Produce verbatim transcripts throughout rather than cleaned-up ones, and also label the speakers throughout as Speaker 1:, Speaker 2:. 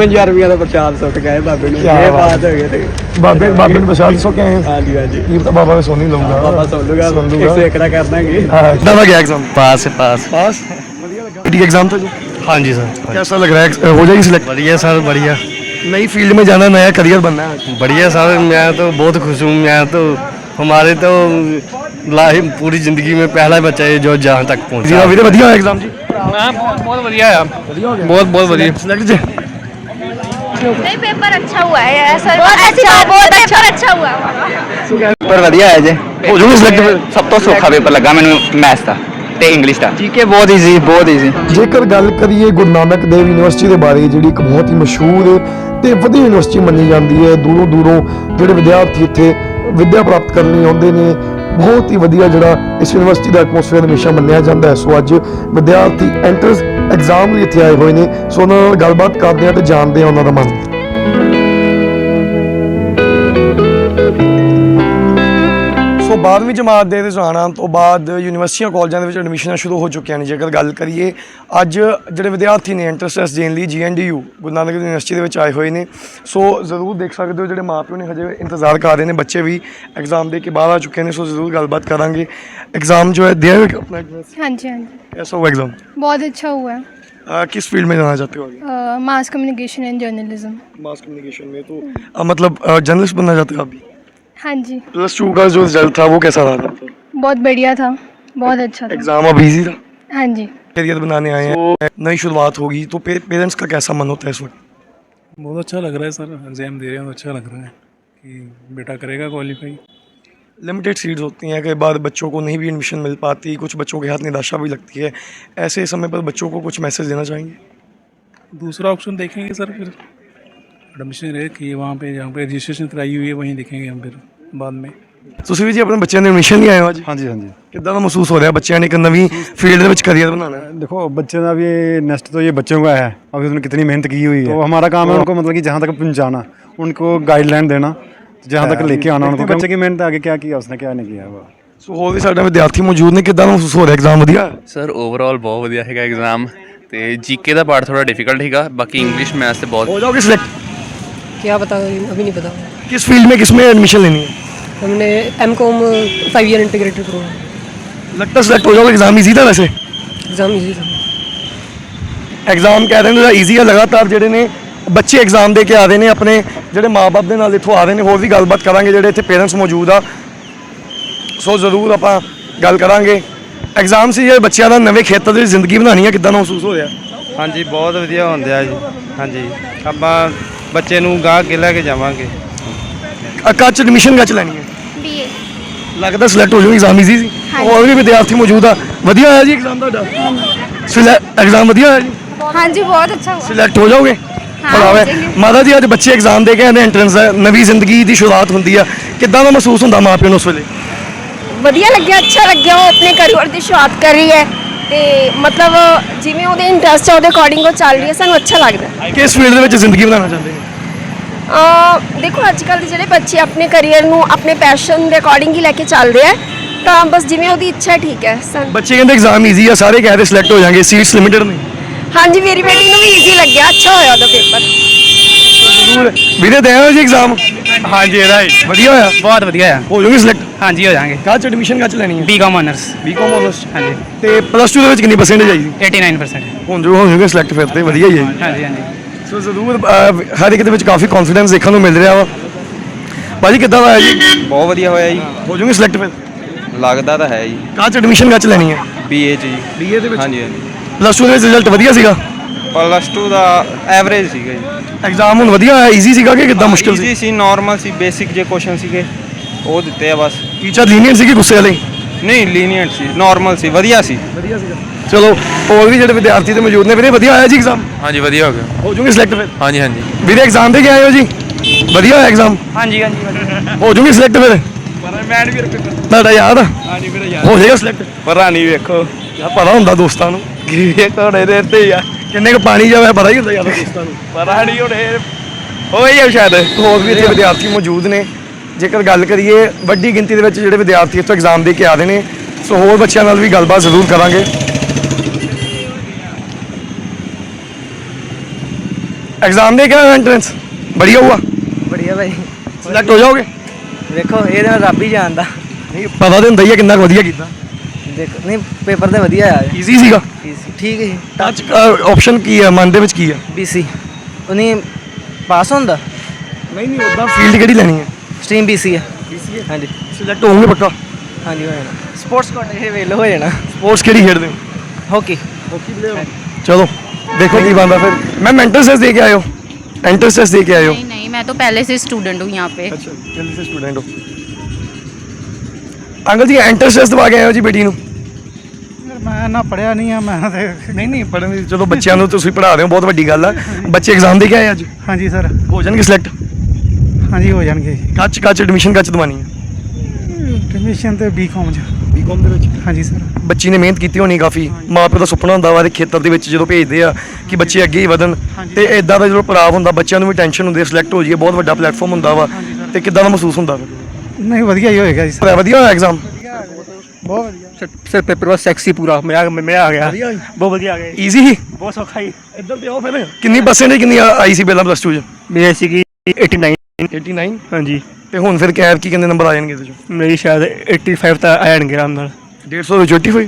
Speaker 1: पचपन हजार रुपया का प्रसाद सुट गए बाबे ने। ये बात हो गई
Speaker 2: बाबे बाबे ने प्रसाद सो के आए हैं।
Speaker 1: हाँ जी हाँ जी
Speaker 2: ये तो बाबा में सोनी लूंगा
Speaker 1: बाबा सुन लूंगा एक सौ एकड़ा कर देंगे।
Speaker 2: कितना गया एग्जाम?
Speaker 3: पास है पास
Speaker 2: पास बढ़िया एग्जाम था जी।
Speaker 3: हाँ जी सर
Speaker 2: कैसा लग रहा है, हो जाएगी सिलेक्ट?
Speaker 3: बढ़िया सर बढ़िया
Speaker 2: नई फील्ड में जाना, नया करियर बनना है।
Speaker 3: बढ़िया सर मैं तो बहुत खुश हूँ। मैं तो हमारे तो लाइफ पूरी जिंदगी में पहला बच्चा है जो जहाँ तक
Speaker 2: जी
Speaker 3: पहुँचा।
Speaker 2: वीरे ਵਧੀਆ ਹੋਇਆ एग्जाम जी?
Speaker 3: बहुत बहुत बढ़िया है बहुत बहुत बढ़िया
Speaker 2: सिलेक्ट जी।
Speaker 4: नहीं पेपर अच्छा हुआ है ऐसा अच्छा बहुत अच्छा अच्छा हुआ
Speaker 5: पेपर ਵਧੀਆ ਹੈ ਜੇ
Speaker 2: ਹੋ ਜਾਊਗੀ ਸਿਲੈਕਟ ਫਿਰ?
Speaker 5: ਸਭ ਤੋਂ ਸੌਖਾ ਪੇਪਰ ਲੱਗਾ ਮੈਨੂੰ ਮੈਥ ਦਾ ਤੇ ਇੰਗਲਿਸ਼ ਦਾ ਜੀਕੇ ਬਹੁਤ ਈਜ਼ੀ ਬਹੁਤ ਈਜ਼ੀ।
Speaker 2: ਜੇਕਰ ਗੱਲ ਕਰੀਏ ਗੁਰੂ ਨਾਨਕ ਦੇਵ ਯੂਨੀਵਰਸਿਟੀ ਦੇ ਬਾਰੇ, ਜਿਹੜੀ ਇੱਕ ਬਹੁਤ ਹੀ ਮਸ਼ਹੂਰ ਤੇ ਵਧੀਆ ਯੂਨੀਵਰਸਿਟੀ ਮੰਨੀ ਜਾਂਦੀ ਹੈ, ਦੂਰੋਂ ਦੂਰੋਂ ਜਿਹੜੇ ਵਿਦਿਆਰਥੀ ਇੱਥੇ ਵਿੱਦਿਆ ਪ੍ਰਾਪਤ ਕਰਨ ਲਈ ਆਉਂਦੇ ਨੇ, ਬਹੁਤ ਹੀ ਵਧੀਆ ਜਿਹੜਾ ਇਸ ਯੂਨੀਵਰਸਿਟੀ ਦਾ ਐਟਮੋਸਫੇਅਰ ਹਮੇਸ਼ਾ ਮੰਨਿਆ ਜਾਂਦਾ ਹੈ। ਸੋ ਅੱਜ ਵਿਦਿਆਰਥੀ ਐਂਟਰੈਂਸ ਐਗਜ਼ਾਮ ਲਈ ਇੱਥੇ ਆਏ ਹੋਏ ਨੇ, ਸੋ ਉਹਨਾਂ ਨਾਲ ਗੱਲਬਾਤ ਕਰਦੇ ਹਾਂ ਤੇ ਜਾਣਦੇ ਹਾਂ ਉਹਨਾਂ ਦਾ ਮਨ। ਸੋ ਬਾਰ੍ਹਵੀਂ ਜਮਾਤ ਦੇ ਰੁਝਾਨਾਂ ਤੋਂ ਬਾਅਦ ਯੂਨੀਵਰਸਿਟੀਆਂ ਕਾਲਜਾਂ ਦੇ ਵਿੱਚ ਐਡਮਿਸ਼ਨਾਂ ਸ਼ੁਰੂ ਹੋ ਚੁੱਕੀਆਂ ਨੇ। ਜੇਕਰ ਗੱਲ ਕਰੀਏ ਅੱਜ ਜਿਹੜੇ ਵਿਦਿਆਰਥੀ ਨੇ ਐਂਟਰੈਂਸ ਟੈਸਟ ਦੇਣ ਲਈ G N D U Guru Nanak Dev University ਦੇ ਵਿੱਚ ਆਏ ਹੋਏ ਨੇ, ਸੋ ਜ਼ਰੂਰ ਦੇਖ ਸਕਦੇ ਹੋ ਜਿਹੜੇ ਮਾਪਿਓ ਨੇ ਹਜੇ ਇੰਤਜ਼ਾਰ ਕਰ ਰਹੇ ਨੇ, ਬੱਚੇ ਵੀ ਐਗਜ਼ਾਮ ਦੇ ਕੇ ਬਾਹਰ ਆ ਚੁੱਕੇ ਨੇ। ਸੋ ਜ਼ਰੂਰ ਗੱਲਬਾਤ ਕਰਾਂਗੇ। एग्ज़ाम जो है दिया है अपना एग्जाम?
Speaker 4: हाँ जी हाँ जी
Speaker 2: कैसा हुआ एग्ज़ाम?
Speaker 4: बहुत अच्छा हुआ है।
Speaker 2: आ, किस फील्ड में जाना चाहते हो अभी?
Speaker 4: Mass communication and journalism.
Speaker 2: Mass communication में तो आ, मतलब जर्नलिस्ट बनना चाहते हो अभी?
Speaker 4: हाँ जी।
Speaker 2: प्लस टू का जो रिजल्ट था वो कैसा रहा था?
Speaker 4: बहुत बढ़िया था, बहुत अच्छा था।
Speaker 2: एग्जाम अब इजी था?
Speaker 4: हाँ जी।
Speaker 2: करियर बनाने आए हैं, नई शुरुआत होगी, तो पेरेंट्स का कैसा मन होता है इस वक्त?
Speaker 6: बहुत अच्छा लग रहा है सर, एग्ज़ाम दे रहे हैं तो अच्छा लग रहा है कि बेटा करेगा क्वालिफाई।
Speaker 2: लिमिटेड सीट्स होती हैं, कई बार बच्चों को नहीं भी एडमिशन मिल पाती, कुछ बच्चों के हाथ निराशा भी लगती है, ऐसे समय पर बच्चों को कुछ मैसेज देना चाहेंगे?
Speaker 6: दूसरा ऑप्शन देखेंगे सर, फिर एडमिशन रहे कि वहाँ पे जहाँ पे रजिस्ट्रेशन कराई हुई है वहीं देखेंगे हम फिर बाद में।
Speaker 2: ਤੁਸੀਂ ਵੀ ਜੀ ਆਪਣੇ ਬੱਚਿਆਂ ਦੇ ਐਡਮਿਸ਼ਨ ਲਈ ਆਏ ਹੋ ਅੱਜ?
Speaker 7: ਹਾਂਜੀ ਹਾਂਜੀ।
Speaker 2: ਕਿੱਦਾਂ ਦਾ ਮਹਿਸੂਸ ਹੋ ਰਿਹਾ ਬੱਚਿਆਂ ਨੇ ਇੱਕ ਨਵੀਂ फील्ड ਦੇ ਵਿੱਚ करियर बनाना है?
Speaker 7: देखो बच्चे का भी नेक्स्ट तो ये बच्चों का है, अभी उन्होंने कितनी मेहनत की हुई है, तो हमारा काम है उनको मतलब कि जहाँ तक पहुँचाना, उनको गाइडलाइन देना, जहाँ तक लेके आना उनको। बच्चे की मेहनत आगे क्या किया उसने, क्या नहीं किया हुआ।
Speaker 2: ਸੋ ਹੋਰ ਵੀ ਸਾਡੇ ਵਿਦਿਆਰਥੀ ਮੌਜੂਦ ਨੇ, ਕਿੱਦਾਂ ਦਾ ਮਹਿਸੂਸ ਹੋ ਰਿਹਾ ਐਗਜ਼ਾਮ ਵਧੀਆ?
Speaker 8: ਸਰ ਓਵਰਆਲ ਬਹੁਤ ਵਧੀਆ ਹੈਗਾ ਐਗਜ਼ਾਮ, ਤੇ ਜੀਕੇ ਦਾ ਪਾਰਟ ਥੋੜਾ ਡਿਫਿਕਲਟ ਹੈਗਾ, ਬਾਕੀ ਇੰਗਲਿਸ਼ मैथ्स से बहुत।
Speaker 2: हो जाओगे सिलेक्ट?
Speaker 9: क्या पता, अभी नहीं पता।
Speaker 2: किस फील्ड में किस में एडमिशन लेनी है?
Speaker 9: हमने M com five year integrated programme.
Speaker 2: लगता है सिलेक्ट हो जाओगे? एग्जाम इजी था वैसे?
Speaker 9: एग्जाम इजी था।
Speaker 2: एग्जाम कह रहे हैं ईजी है, लगातार ਜਿਹੜੇ ਨੇ ਬੱਚੇ ਐਗਜ਼ਾਮ ਦੇ ਕੇ ਆ ਰਹੇ ਨੇ, ਆਪਣੇ ਜਿਹੜੇ ਮਾਪੇ ਦੇ ਨਾਲ ਇੱਥੋਂ ਆ ਰਹੇ ਨੇ। ਹੋਰ ਵੀ ਗੱਲਬਾਤ ਕਰਾਂਗੇ, ਜਿਹੜੇ ਇੱਥੇ ਪੇਰੈਂਟਸ ਮੌਜੂਦ ਆ, ਸੋ ਜ਼ਰੂਰ ਆਪਾਂ ਗੱਲ ਕਰਾਂਗੇ। ਐਗਜ਼ਾਮ ਸੀ ਜਿਹੜੇ ਬੱਚਿਆਂ ਦਾ ਨਵੇਂ ਖੇਤਰ ਦੀ ਜ਼ਿੰਦਗੀ ਬਣਾਉਣੀ ਹੈ, ਕਿੱਦਾਂ ਦਾ ਮਹਿਸੂਸ ਹੋ ਰਿਹਾ?
Speaker 3: ਹਾਂਜੀ ਬਹੁਤ ਵਧੀਆ ਹੁੰਦੇ ਆ ਜੀ। ਹਾਂਜੀ ਆਪਾਂ ਬੱਚੇ ਨੂੰ ਗਾਹ ਕੇ ਲੈ ਕੇ ਜਾਵਾਂਗੇ।
Speaker 2: ਕੱਚ ਐਡਮਿਸ਼ਨ ਕੱਚ ਲੈਣੀ ਹੈ?
Speaker 4: बीए।
Speaker 2: ਲੱਗਦਾ ਸਿਲੈਕਟ ਹੋ ਜਾਊਗੀ, ਐਗਜ਼ਾਮ ਈਜ਼ੀ ਸੀ? ਹੋਰ ਵੀ ਵਿਦਿਆਰਥੀ ਮੌਜੂਦ ਆ। ਵਧੀਆ ਹੋਇਆ ਜੀ ਐਗਜ਼ਾਮ ਤੁਹਾਡਾ? ਸਿਲੈਕਟ ਐਗਜ਼ਾਮ ਵਧੀਆ ਹੋਇਆ ਜੀ?
Speaker 4: हाँ जी बहुत अच्छा हुआ।
Speaker 2: ਸਿਲੈਕਟ ਹੋ ਜਾਓਗੇ? ਬੜਾਵੇ ਮਾਤਾ ਜੀ, ਅੱਜ ਬੱਚੇ ਐਗਜ਼ਾਮ ਦੇ ਕੇ ਆਉਂਦੇ, ਐਂਟਰੈਂਸ ਦਾ ਨਵੀਂ ਜ਼ਿੰਦਗੀ ਦੀ ਸ਼ੁਰੂਆਤ ਹੁੰਦੀ ਆ, ਕਿੱਦਾਂ ਦਾ ਮਹਿਸੂਸ ਹੁੰਦਾ ਮਾਂ ਪਿਓ ਨੂੰ ਉਸ ਵੇਲੇ?
Speaker 4: ਵਧੀਆ ਲੱਗਿਆ, ਅੱਛਾ ਲੱਗਿਆ। ਉਹ ਆਪਣੇ ਕਰੀਅਰ ਦੀ ਸ਼ੁਰੂਆਤ ਕਰ ਰਹੀ ਹੈ ਤੇ ਮਤਲਬ ਜਿਵੇਂ ਉਹਦੇ ਇੰਟਰਸਟ ਹੈ ਉਹਦੇ ਅਕੋਰਡਿੰਗ ਉਹ ਚੱਲ ਰਹੀ ਹੈ, ਸਾਨੂੰ ਅੱਛਾ ਲੱਗਦਾ।
Speaker 2: ਕਿਸ ਫੀਲਡ ਦੇ ਵਿੱਚ ਜ਼ਿੰਦਗੀ ਬਣਾਉਣਾ ਚਾਹੁੰਦੇ ਨੇ?
Speaker 4: ਅ ਦੇਖੋ ਅੱਜ ਕੱਲ੍ਹ ਦੇ ਜਿਹੜੇ ਬੱਚੇ ਆਪਣੇ ਕਰੀਅਰ ਨੂੰ ਆਪਣੇ ਪੈਸ਼ਨ ਦੇ ਅਕੋਰਡਿੰਗ ਹੀ ਲੈ ਕੇ ਚੱਲਦੇ ਆ, ਤਾਂ ਬਸ ਜਿਵੇਂ ਉਹਦੀ ਇੱਛਾ ਠੀਕ ਹੈ।
Speaker 2: ਬੱਚੇ ਕਹਿੰਦੇ ਐਗਜ਼ਾਮ ਈਜ਼ੀ ਆ, ਸਾਰੇ ਕਹਿ ਰਹੇ ਸਿਲੈਕਟ ਹੋ ਜਾਣਗੇ, ਸੀਟਸ ਲਿਮਿਟਡ ਨੇ।
Speaker 4: ਹਾਂਜੀ ਮੇਰੀ ਬੇਟੀ ਨੂੰ ਵੀ ਈਜ਼ੀ ਲੱਗਿਆ, ਅੱਛਾ ਹੋਇਆ ਉਹਦਾ ਪੇਪਰ।
Speaker 2: ਜ਼ਰੂਰ ਵੀਰੇ ਦੇਣਾ ਜੀ ਐਗਜ਼ਾਮ?
Speaker 3: ਹਾਂਜੀ ਇਹਦਾ
Speaker 2: ਵਧੀਆ ਹੋਇਆ?
Speaker 3: ਬਹੁਤ ਵਧੀਆ ਆ।
Speaker 2: ਹੋ ਜਾਊਗੀ ਸਿਲੈਕਟ?
Speaker 3: ਹਾਂਜੀ ਹੋ ਜਾਣਗੇ।
Speaker 2: ਕਾਹਚ ਐਡਮਿਸ਼ਨ ਕਾਹਚ ਲੈਣੀ ਹੈ?
Speaker 3: B com honours.
Speaker 2: B com honours?
Speaker 3: ਹਾਂਜੀ।
Speaker 2: ਤੇ ਪਲੱਸ ਟੂ ਦੇ ਵਿੱਚ ਕਿੰਨੀ ਪਰਸੈਂਟੇਜ ਆਈ ਸੀ?
Speaker 3: ਨੜਿਨਵੇਂ ਪਰਸੈਂਟ।
Speaker 2: ਹੁਣ ਜੋ ਹੋ ਜਾਊਗੇ ਸਿਲੈਕਟ, ਫਿਰ ਤੇ ਵਧੀਆ ਹੀ ਹੈ ਜੀ।
Speaker 3: ਹਾਂਜੀ ਹਾਂਜੀ।
Speaker 2: ਸੋ ਜ਼ਰੂਰ ਹਰ ਇੱਕ ਦੇ ਵਿੱਚ ਕਾਫੀ ਕੌਨਫੀਡੈਂਸ ਦੇਖਣ ਨੂੰ ਮਿਲ ਰਿਹਾ ਵਾ। ਭਾਜੀ ਕਿੱਦਾਂ ਦਾ ਹੈ ਜੀ?
Speaker 5: ਬਹੁਤ ਵਧੀਆ ਹੋਇਆ ਜੀ।
Speaker 2: ਹੋ ਜਾਊਗੀ ਸਿਲੈਕਟ ਫਿਰ?
Speaker 5: ਲੱਗਦਾ ਤਾਂ ਹੈ ਜੀ।
Speaker 2: ਕਾਹਚ ਐਡਮਿਸ਼ਨ ਕਾਹਚ ਲੈਣੀ ਹੈ?
Speaker 5: ਬੀਏ ਚ ਜੀ।
Speaker 2: ਬੀਏ ਦੇ ਵਿੱਚ?
Speaker 5: ਹਾਂਜੀ ਹਾਂਜੀ।
Speaker 2: ਪਲੱਸ ਟੂ ਦੇ ਵਿੱਚ ਰਿਜ਼ਲਟ ਵਧੀਆ ਸੀਗਾ?
Speaker 5: ਪਲੱਸ ਟੂ ਦਾ ਐਵਰੇਜ ਸੀਗਾ ਜੀ।
Speaker 2: ਐਗਜ਼ਾਮ ਹੁਣ ਵਧੀਆ ਹੋਇਆ, ਈਜ਼ੀ ਸੀਗਾ ਕਿ ਕਿੱਦਾਂ ਮੁਸ਼ਕਿਲ ਸੀ?
Speaker 5: ਈਜ਼ੀ ਸੀ, ਨਾਰਮਲ ਸੀ, ਬੇਸਿਕ ਜੇ ਕੁਐਸਚਨ ਸੀਗੇ ਉਹ ਦਿੱਤੇ ਆ ਬਸ।
Speaker 2: ਟੀਚਰ ਲੀਨੀਅੰਟ ਸੀ ਕਿ ਗੁੱਸੇ ਵਾਲੇ?
Speaker 5: ਨਹੀਂ ਲੀਨੀਅੰਟ ਸੀ, ਨਾਰਮਲ ਸੀ, ਵਧੀਆ ਸੀ।
Speaker 2: ਵਧੀਆ ਸੀਗਾ। ਚਲੋ ਹੋਰ ਵੀ ਜਿਹੜੇ ਵਿਦਿਆਰਥੀ ਤੇ ਮੌਜੂਦ ਨੇ, ਵੀਰੇ ਵਧੀਆ ਹੋਇਆ ਜੀ ਐਗਜ਼ਾਮ?
Speaker 8: ਹਾਂਜੀ ਵਧੀਆ ਹੋ ਗਿਆ।
Speaker 2: ਹੋ ਜੂਗੇ ਸਿਲੈਕਟ ਫਿਰ?
Speaker 8: ਹਾਂਜੀ ਹਾਂਜੀ।
Speaker 2: ਵੀਰੇ ਐਗਜ਼ਾਮ ਦੇ ਕੇ ਆਏ ਹੋ ਜੀ? ਵਧੀਆ ਹੋਇਆ ਐਗਜ਼ਾਮ?
Speaker 3: ਹਾਂਜੀ ਹਾਂਜੀ।
Speaker 2: ਹੋ ਜੂਗੇ ਸਿਲੈਕਟ ਫਿਰ?
Speaker 3: ਮੈਨ ਵੀ ਰੁਪਏ
Speaker 2: ਤੁਹਾਡਾ ਯਾਦ ਆ?
Speaker 3: ਹਾਂਜੀ ਮੇਰਾ ਯਾਰ
Speaker 2: ਹੋ ਜਾਏਗਾ ਸਿਲੈਕਟ?
Speaker 3: ਪਤਾ ਨਹੀਂ ਵੇਖੋ
Speaker 2: ਯਾਰ ਪਤਾ ਹੁੰਦਾ ਦੋਸਤਾਂ ਨੂੰ,
Speaker 3: ਇਹ ਘੋੜੇ ਦੇ ਤੇ ਆ
Speaker 2: ਕਿੰਨੇ ਕੁ ਪਾਣੀ ਜਾਵੇ ਪਤਾ ਹੀ ਹੁੰਦਾ ਯਾਰ ਦੋਸਤਾਂ ਨੂੰ।
Speaker 3: ਪਤਾ ਨਹੀਂ ਹੁਣ ਹੋਈ ਆ ਸ਼ਾਇਦ।
Speaker 2: ਹੋਰ ਵੀ ਇੱਥੇ ਵਿਦਿਆਰਥੀ ਮੌਜੂਦ ਨੇ। ਜੇਕਰ ਗੱਲ ਕਰੀਏ ਵੱਡੀ ਗਿਣਤੀ ਦੇ ਵਿੱਚ ਜਿਹੜੇ ਵਿਦਿਆਰਥੀ ਇੱਥੋਂ ਐਗਜ਼ਾਮ ਦੇ ਕੇ ਆ ਰਹੇ ਨੇ, ਸੋ ਹੋਰ ਬੱਚਿਆਂ ਨਾਲ ਵੀ ਗੱਲਬਾਤ ਜ਼ਰੂਰ ਕਰਾਂਗੇ। एग्जाम दे के एंट्रेंस बढ़िया हुआ?
Speaker 10: बढ़िया भाई
Speaker 2: सिलेक्ट हो जाओगे?
Speaker 10: देखो ये तो रब ही जानता
Speaker 2: नहीं पता तो ਹੁੰਦਾ ਹੀ ਹੈ ਕਿੰਨਾ ਕੁ ਵਧੀਆ ਕੀਤਾ।
Speaker 10: देखो नहीं पेपर तो वधिया आया
Speaker 2: ਈਜ਼ੀ ਸੀਗਾ?
Speaker 10: ठीक है
Speaker 2: ਟੱਚ ਆਪਸ਼ਨ ਕੀ ਹੈ ਮਨ ਦੇ ਵਿੱਚ ਕੀ ਹੈ?
Speaker 10: बीसी उन्हीं पास होंदा
Speaker 2: ਨਹੀਂ ਨਹੀਂ ਉਦਾਂ ਫੀਲਡ ਕਿਹੜੀ ਲੈਣੀ ਹੈ?
Speaker 10: स्ट्रीम बीसी है हाँ जी
Speaker 2: ਸਿਲੈਕਟ ਹੋਵੋਗੇ ਪੱਕਾ?
Speaker 10: हाँ जी हो जाना स्पोर्ट्स कोटे वेल हो जाना
Speaker 2: ਸਪੋਰਟਸ ਕਿਹੜੀ ਖੇਡਦੇ ਹੋ?
Speaker 10: हॉकी
Speaker 2: ਚਲੋ ਦੇਖੋ ਕੀ ਬਣਦਾ ਫਿਰ। ਮੈਂ ਐਂਟਰੈਂਸ ਟੈਸਟ ਦੇ ਕੇ ਆਇਓ? एंट्रेंस टेस्ट दे के आए हो?
Speaker 11: नहीं नहीं मैं तो पहले से स्टूडेंट हूँ यहाँ पे।
Speaker 2: अच्छा पहले से स्टूडेंट हो। अंकल जी एंट्रेंस टेस्ट दवा के आए हो जी बेटी ਨੂੰ?
Speaker 6: ਮੈਂ ਨਾ ਪੜਿਆ ਨਹੀਂ ਆ ਮੈਂ ਤੇ
Speaker 2: ਨਹੀਂ ਨਹੀਂ ਪੜਨ ਦੀ ਚਲੋ ਬੱਚਿਆਂ ਨੂੰ ਤੁਸੀਂ ਪੜ੍ਹਾ ਰਹੇ ਹੋ ਬਹੁਤ ਵੱਡੀ ਗੱਲ ਆ। ਬੱਚੇ ਐਗਜ਼ਾਮ ਦੇ ਕੇ ਆਏ ਅੱਜ?
Speaker 6: ਹਾਂਜੀ ਸਰ
Speaker 2: ਹੋ ਜਾਣਗੇ ਸਿਲੈਕਟ?
Speaker 6: ਹਾਂਜੀ ਹੋ ਜਾਣਗੇ।
Speaker 2: ਕੱਚ ਕੱਚ ਐਡਮਿਸ਼ਨ ਕੱਚ ਦਵਾਨੀ ਹੈ?
Speaker 6: ਐਡਮਿਸ਼ਨ ਤੇ ਬੀਕਾਮ ਚ।
Speaker 2: ਬੀਕਾਮ ਦੇ ਵਿੱਚ?
Speaker 6: ਹਾਂਜੀ ਸਰ।
Speaker 2: ਬੱਚੀ ਨੇ ਮਿਹਨਤ ਕੀਤੀ ਹੋਣੀ ਕਾਫੀ। ਮਾਂ ਪਿਓ ਦਾ ਸੁਪਨਾ ਹੁੰਦਾ ਵਾ ਦੇ ਖੇਤਰ ਦੇ ਵਿੱਚ ਜਦੋਂ ਭੇਜਦੇ ਆ ਕਿ ਬੱਚੇ ਅੱਗੇ ਹੀ ਵਧਣ ਤੇ ਇਦਾਂ ਦਾ ਜਦੋਂ ਪੜਾਅ ਹੁੰਦਾ ਬੱਚਿਆਂ ਨੂੰ ਵੀ ਟੈਨਸ਼ਨ ਹੁੰਦੀ ਹੈ ਸਿਲੈਕਟ ਹੋ ਜਾਈਏ ਬਹੁਤ ਵੱਡਾ ਪਲੇਟਫਾਰਮ ਹੁੰਦਾ ਵਾ ਤੇ ਕਿੱਦਾਂ ਦਾ ਮਹਿਸੂਸ ਹੁੰਦਾ ਫਿਰ?
Speaker 6: नहीं वधिया ही होएगा जी सर।
Speaker 2: ਵਧੀਆ ਹੋਇਆ ਐਗਜ਼ਾਮ?
Speaker 6: बहुत वधिया
Speaker 3: सर पेपर बहुत सेक्सी पूरा मैं आ, मैं आ गया बहुत बढ़िया आ गया
Speaker 2: ਈਜ਼ੀ ਹੀ?
Speaker 3: बहुत सौखा ही
Speaker 2: ਇੱਧਰ ਤੇ ਆਓ ਫਿਰ। ਕਿੰਨੀ ਪਰਸੈਂਟੇਜ ਕਿੰਨੀ ਆਈ ਸੀ ਪਹਿਲਾਂ ਪਲੱਸ ਟੂ ਚ?
Speaker 3: मेरी सी की एटी नाइन
Speaker 2: ਨੜਿਨਵੇਂ?
Speaker 3: हाँ जी
Speaker 2: ਤੇ ਹੁਣ ਫਿਰ ਕੈਬ ਕੀ ਕਿੰਨੇ ਨੰਬਰ ਆ ਜਾਣਗੇ ਇਹਦੇ ਚੋਂ?
Speaker 3: मेरी शायद एटी फाइव तक आ जाएंगे आराम नाल
Speaker 2: डेढ़ सौ ਵਿੱਚ eighty-five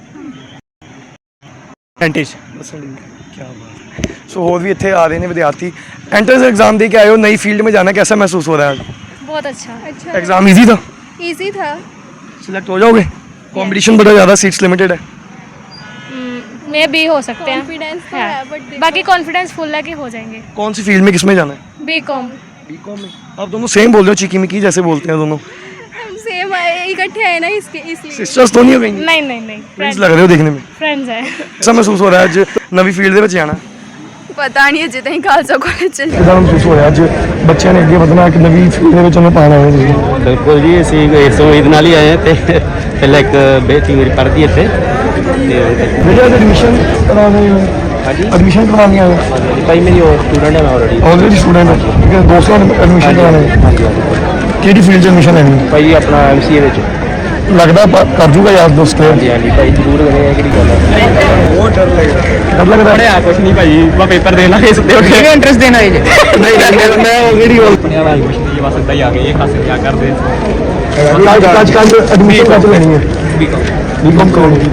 Speaker 3: परसेंटेज।
Speaker 2: क्या बात है। सो और भी ਇੱਥੇ ਆ ਰਹੇ ਨੇ ਵਿਦਿਆਰਥੀ। एंट्रेंस एग्जाम दे के आए हो नई फील्ड में जाना कैसा महसूस हो रहा है?
Speaker 11: बहुत अच्छा अच्छा
Speaker 2: एग्जाम इजी था?
Speaker 11: इजी था।
Speaker 2: सिलेक्ट हो जाओगे? कंपटीशन बड़ा ज़्यादा सीट्स लिमिटेड है?
Speaker 11: मैं भी हो सकते हैं कॉन्फिडेंस तो है बट बाकी कॉन्फिडेंस फुल है कि हो जाएंगे।
Speaker 2: कौन सी फील्ड में किस में जाना है?
Speaker 11: बीकॉम।
Speaker 2: बीकॉम में? आप दोनों सेम बोल रहे हो चिकी मिकी जैसे बोलते हैं दोनों?
Speaker 11: सेम इकट्ठे है ना इसके इसलिए।
Speaker 2: सिस्टर्स तो नहीं हो गई?
Speaker 11: नहीं नहीं नहीं
Speaker 2: फ्रेंड्स लग रहे हो देखने में।
Speaker 11: फ्रेंड्स है।
Speaker 2: कैसा महसूस हो रहा है आज नवी फील्ड ਦੇ ਵਿੱਚ ਜਾਣਾ?
Speaker 4: ਪਤਾ ਨਹੀਂ ਅਜੇ ਤਾਈਂ ਖਾਲਸਾ ਕਾਲਜ ਚ
Speaker 2: ਕਿਦਾਂ ਮਹਿਸੂਸ ਹੋਇਆ ਅੱਜ ਬੱਚਿਆਂ ਨੇ ਅੱਗੇ ਵਧਣਾ ਇੱਕ ਨਵੀਂ ਫੀਲਡ ਦੇ ਵਿੱਚ ਉਹਨੂੰ ਪਾਣਾ ਹੈ ਤੁਸੀਂ?
Speaker 3: बिल्कुल जी ਅਸੀਂ ਇਸ ਉਮੀਦ ਨਾਲ ਹੀ ਆਏ ਹਾਂ ਤੇ ਪਹਿਲਾਂ ਇੱਕ ਬੇਟੀ ਮੇਰੀ ਪੜ੍ਹਦੀ ਇੱਥੇ ਤੇ
Speaker 2: ਵੀਡੀਓ ਦੇ ਐਡਮਿਸ਼ਨ ਕਰਾਉਣੀ ਹੈ? ਹਾਂਜੀ ਐਡਮਿਸ਼ਨ ਕਰਵਾਉਣੀ ਹੈ
Speaker 3: ਭਾਈ ਮੇਰੀ ਉਹ ਸਟੂਡੈਂਟ ਹੈ ਮੈਂ ਆਲਰੇਡੀ
Speaker 2: ਆਲਰੇਡੀ ਸਟੂਡੈਂਟ ਹੈ ਠੀਕ ਹੈ ਦੋਸਤਾਂ ਨੇ ਐਡਮਿਸ਼ਨ ਕਰਾਉਣੀ ਹੈ?
Speaker 3: ਹਾਂਜੀ ਹਾਂਜੀ
Speaker 2: ਕਿਹੜੀ ਫੀਲਡ 'ਚ ਐਡਮਿਸ਼ਨ ਲੈਣੀ ਹੈ?
Speaker 3: ਭਾਈ ਆਪਣਾ ਐਮਸੀਏ ਵਿੱਚ।
Speaker 2: ਲੱਗਦਾ ਪ- ਕਰ ਜੂਗਾ ਯਾਰ ਦੋਸਤ ਕਲੀਅਰ?
Speaker 3: ਹਾਂਜੀ ਹਾਂਜੀ ਭਾਈ ਜ਼ਰੂਰ ਕਰੇ ਇਹ ਕਿਹੜੀ ਗੱਲ ਹੈ
Speaker 2: ਬਹੁਤ ਡਰ ਲੱਗਦਾ ਡਰ ਲੱਗਦਾ
Speaker 3: ਪੜਿਆ ਕੁਛ ਨਹੀਂ ਭਾਈ ਮੈਂ ਪੇਪਰ ਦੇ ਲਾਂਗੇ ਸਿੱਧੇ ਉੱਠ ਕੇ ਇੰਟਰਸਟ ਦੇਣਾ ਹੈ ਜੀ
Speaker 2: ਨਹੀਂ ਨਹੀਂ ਮੈਂ ਉਹ ਕਿਹੜੀ ਗੱਲ
Speaker 3: ਪੜਿਆ ਵਾ ਐਡਮਿਸ਼ਨ ਦੀ ਬਸ ਇੱਦਾਂ ਹੀ ਆ ਗਏ ਇਹ ਖਾਸ ਕੀ ਕਰਦੇ
Speaker 2: ਅੱਜ ਅੱਜ ਕੱਲ ਐਡਮਿਸ਼ਨ ਕੱਚ ਲੈਣੀ ਹੈ?
Speaker 3: ਬੀਕਾਮ
Speaker 2: ਬੀਕਾਮ ਕਰਾਉਣੀ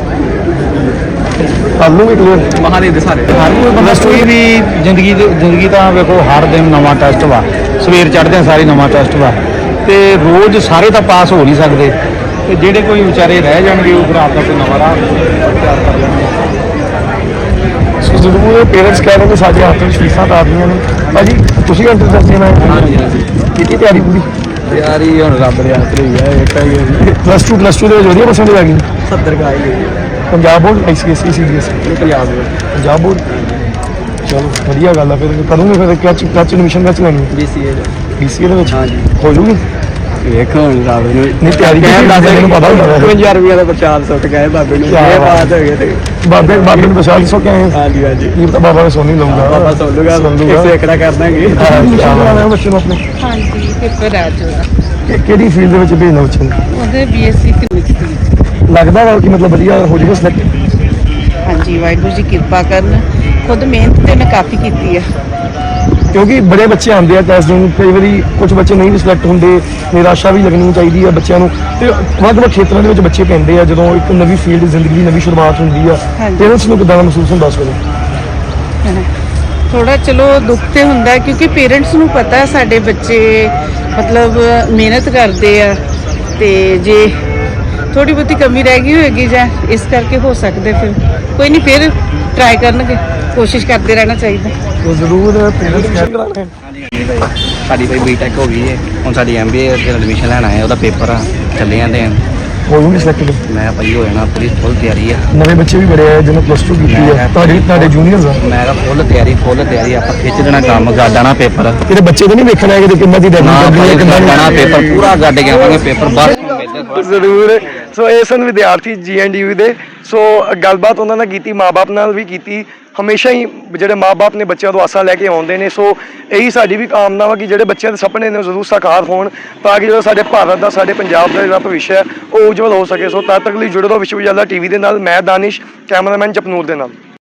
Speaker 2: ਕਰ ਲੂਗੇ ਕਲੀਅਰ?
Speaker 3: ਮਹਾਦੇਵ ਦੇ ਸਾਰੇ
Speaker 7: ਪਲੱਸ ਟੂ ਵੀ ਜ਼ਿੰਦਗੀ ਦੀ ਜ਼ਿੰਦਗੀ ਤਾਂ ਵੇਖੋ ਹਰ ਦਿਨ ਨਵਾਂ ਟੈਸਟ ਵਾ ਸਵੇਰ ਚੜ੍ਹਦੇ ਸਾਰੀ ਨਵਾਂ ਟੈਸਟ ਵਾ ਤੇ ਰੋਜ਼ ਸਾਰੇ ਤਾਂ ਪਾਸ ਹੋ ਨਹੀਂ ਸਕਦੇ ਤੇ ਜਿਹੜੇ ਕੋਈ ਵਿਚਾਰੇ ਰਹਿ ਜਾਣਗੇ ਉਹ ਫਿਰ ਆਪਦਾ ਕੋਈ ਨਵਾਂ ਰਾਹ ਤਿਆਰ ਕਰ ਲੈਣਗੇ।
Speaker 2: ਸੋ ਜ਼ਰੂਰ ਪੇਰੈਂਟਸ ਕਹਿ ਰਹੇ ਨੇ ਸਾਡੇ ਹੱਥ ਵਿੱਚ ਫੀਸਾਂ ਤਾਂ ਆਦੀਆਂ ਨੇ ਭਾਜੀ ਤੁਸੀਂ ਇੰਟਰਸਟ ਦੇਣਾ ਹੈ? ਕੀਤੀ ਤਿਆਰੀ ਪੂਰੀ?
Speaker 3: ਯਾਰੀ ਹੁਣ ਰੱਬ ਦੇ ਹੱਥ ਰਹੀ ਹੈ ਇੱਕ ਹੀ
Speaker 2: ਪਲੱਸ ਟੂ ਪਲੱਸ ਟੂ ਦੇ ਵਿੱਚ ਵਧੀਆ ਪਰਸੈਂਟੇਜ ਆ ਗਈ?
Speaker 3: ਸੱਤਰ ਕਾ ਆਈ
Speaker 2: Punjab board ICSE CBSE?
Speaker 3: Punjab ਦੇ
Speaker 2: ਪੰਜਾਬ ਬੋਰਡ। ਚਲੋ ਵਧੀਆ ਗੱਲ ਆ ਫਿਰ ਕਰੂੰਗੇ ਫਿਰ ਕੱਚ ਕੱਚ ਐਡਮਿਸ਼ਨ ਕੱਚ ਲੈਣੀ
Speaker 3: ਬੀਸੀਏ
Speaker 2: ਬੀਸੀਏ ਦੇ ਵਿੱਚ? ਹੋ ਜੂਗੀ?
Speaker 1: ਵੇਖੋ ਹੁਣ ਰੱਬ ਨੂੰ
Speaker 2: ਨਹੀਂ ਤਿਆਰੀ ਕੀਤੀ ਮੈਨੂੰ ਪਤਾ ਹੁੰਦਾ ਵੈਸੇ।
Speaker 1: ਇਕਵੰਜਾ ਰੁਪਏ ਦਾ ਪ੍ਰਚਾਰ ਸੁੱਟ ਗਏ ਬਾਬੇ ਨੂੰ ਇਹ ਬਾਤ ਹੋ ਗਈ ਤੇ
Speaker 2: ਬਾਬੇ ਬਾਬੇ ਨੂੰ ਪਛਾਣ ਸੋ ਕੇ ਆਏ?
Speaker 1: ਹਾਂਜੀ ਹਾਂਜੀ
Speaker 2: ਇਹ ਤਾਂ ਬਾਬਾ ਨੇ ਸੁਣ ਨਹੀਂ ਲਊਗਾ।
Speaker 1: ਬਾਬਾ ਸੁਣ ਲੂਗਾ ਇੱਕ ਸੇਕੜਾ ਕਰ ਦਾਂਗੇ।
Speaker 2: ਬੱਚੇ ਨੂੰ ਆਪਣੇ
Speaker 9: ਹਾਂਜੀ ਪੇਪਰ ਆ ਜੂਗਾ
Speaker 2: ਕਿ- ਕਿਹੜੀ ਫੀਲਡ ਦੇ ਵਿੱਚ ਭੇਜਣਾ ਬੱਚੇ ਨੂੰ?
Speaker 9: ਉਹਦੇ ਬੀਐਸਸੀ ਫਿਜ਼ਿਕਸ ਦੇ ਵਿੱਚ।
Speaker 2: ਲੱਗਦਾ ਵਾ ਕਿ ਮਤਲਬ ਵਧੀਆ ਹੋ ਜਾਏਗਾ ਸਿਲੈਕਟ?
Speaker 9: ਹਾਂਜੀ ਵਾਹਿਗੁਰੂ ਜੀ ਕਿਰਪਾ ਕਰਨ ਖੁਦ ਮਿਹਨਤ ਤੇ ਮੈਂ ਕਾਫੀ ਕੀਤੀ ਆ
Speaker 2: ਕਿਉਂਕਿ ਬੜੇ ਬੱਚੇ ਆਉਂਦੇ ਆ ਟੈਸਟ ਦੇਣ ਕਈ ਵਾਰੀ ਕੁਝ ਬੱਚੇ ਨਹੀਂ ਵੀ ਸਿਲੈਕਟ ਹੁੰਦੇ ਨਿਰਾਸ਼ਾ ਵੀ ਲੱਗਣੀ ਚਾਹੀਦੀ ਆ ਬੱਚਿਆਂ ਨੂੰ ਤੇ ਵੱਖ-ਵੱਖ ਖੇਤਰਾਂ ਦੇ ਵਿੱਚ ਬੱਚੇ ਪੈਂਦੇ ਆ ਜਦੋਂ ਇੱਕ ਨਵੀਂ ਫੀਲਡ ਜ਼ਿੰਦਗੀ ਦੀ ਨਵੀਂ ਸ਼ੁਰੂਆਤ ਹੁੰਦੀ ਆ ਪੇਰੈਂਟਸ ਨੂੰ ਕਿੱਦਾਂ ਦਾ ਮਹਿਸੂਸ ਹੁੰਦਾ ਉਸ ਵੇਲੇ?
Speaker 9: ਥੋੜਾ ਚਲੋ ਦੁੱਖ ਤੇ ਹੁੰਦਾ ਹੈ ਕਿਉਂਕਿ ਪੇਰੈਂਟਸ ਨੂੰ ਪਤਾ ਹੈ ਸਾਡੇ ਬੱਚੇ ਮਤਲਬ ਮਿਹਨਤ ਕਰਦੇ ਆ ਤੇ ਜੇ ਥੋੜੀ ਬਹੁਤੀ ਕਮੀ ਰਹਿ ਗਈ ਹੋਏਗੀ ਜਾਂ ਇਸ ਕਰਕੇ ਹੋ ਸਕਦੇ ਫਿਰ ਕੋਈ ਨਹੀਂ ਫਿਰ ਟਰਾਈ ਕਰਨਗੇ ਕੋਸ਼ਿਸ਼ ਕਰਦੇ ਰਹਿਣਾ ਚਾਹੀਦਾ।
Speaker 2: ਉਹ ਜ਼ਰੂਰ ਪੇਰੈਂਟਸ ਕਹਿ ਕਰਾਂਗੇ।
Speaker 3: ਸਾਡੀ ਭਾਈ ਬੀਟੈਕ ਹੋ ਗਈ ਹੈ ਹੁਣ ਸਾਡੀ ਐਮਬੀਏ ਦੇ ਐਡਮਿਸ਼ਨ ਲੈਣਾ ਹੈ ਉਹਦਾ ਪੇਪਰ ਆ ਚੱਲੇ ਜਾਂਦੇ ਆ
Speaker 2: ਹੋ ਜੂਗੀ ਸਿਲੈਕਟ?
Speaker 3: ਮੈਂ ਭਾਈ ਹੋ ਜਾਣਾ ਪੂਰੀ ਫੁੱਲ ਤਿਆਰੀ ਆ
Speaker 2: ਨਵੇਂ ਬੱਚੇ ਵੀ ਬੜੇ ਆਏ ਜਿਹਨੇ ਪਲੱਸ ਟੂ ਕੀਤੀ ਆ ਤੁਹਾਡੇ ਤੁਹਾਡੇ ਜੂਨੀਅਰਸ ਆ?
Speaker 3: ਮੈਂ ਕਿਹਾ ਫੁੱਲ ਤਿਆਰੀ ਫੁੱਲ ਤਿਆਰੀ ਆਪਾਂ ਖਿੱਚ ਦੇਣਾ ਕੰਮ ਗਾਡਾਣਾ ਪੇਪਰ
Speaker 2: ਕਿਤੇ ਬੱਚੇ ਤਾਂ ਨਹੀਂ ਵੇਖਣਾ ਹੈ ਕਿ ਕਿੰਨਾ ਦੀ
Speaker 3: ਨਾ
Speaker 2: ਡੈਡਲਾਈਨ
Speaker 3: ਭਾਈ
Speaker 2: ਕਿੰਨਾ
Speaker 3: ਗਾਡਾਣਾ ਪੇਪਰ ਪੂਰਾ ਗੱਡ ਕੇ ਆਵਾਂਗੇ ਪੇਪਰ ਬਸ
Speaker 2: ਜ਼ਰੂਰ। ਸੋ ਇਹ ਸਨ ਵਿਦਿਆਰਥੀ ਜੀ ਐਨ ਡੀ ਯੂ ਦੇ। ਸੋ ਗੱਲਬਾਤ ਉਹਨਾਂ ਨਾਲ ਕੀਤੀ ਮਾਂ-ਬਾਪ ਨਾਲ ਵੀ ਕੀਤੀ। ਹਮੇਸ਼ਾ ਹੀ ਜਿਹੜੇ ਮਾਂ-ਬਾਪ ਨੇ ਬੱਚਿਆਂ ਤੋਂ ਆਸਾਂ ਲੈ ਕੇ ਆਉਂਦੇ ਨੇ ਸੋ ਇਹੀ ਸਾਡੀ ਵੀ ਕਾਮਨਾ ਵਾ ਕਿ ਜਿਹੜੇ ਬੱਚਿਆਂ ਦੇ ਸੁਪਨੇ ਨੇ ਉਹ ਜ਼ਰੂਰ ਸਾਕਾਰ ਹੋਣ ਤਾਂ ਕਿ ਜਿਹੜਾ ਸਾਡੇ ਭਾਰਤ ਦਾ ਸਾਡੇ ਪੰਜਾਬ ਦਾ ਜਿਹੜਾ ਭਵਿੱਖ ਹੈ ਉਹ ਉਜਵਲ ਹੋ ਸਕੇ। ਸੋ ਤਦ ਤੱਕ ਲਈ ਜੁੜੇ ਰਹੋ ਵਿਸ਼ਵ ਵਿਦਿਆਲਾ ਟੀਵੀ ਦੇ ਨਾਲ। ਮੈਂ ਦਾਨਿਸ਼ ਕੈਮਰਾਮੈਨ ਜਪਨੂਰ ਦੇ ਨਾਲ।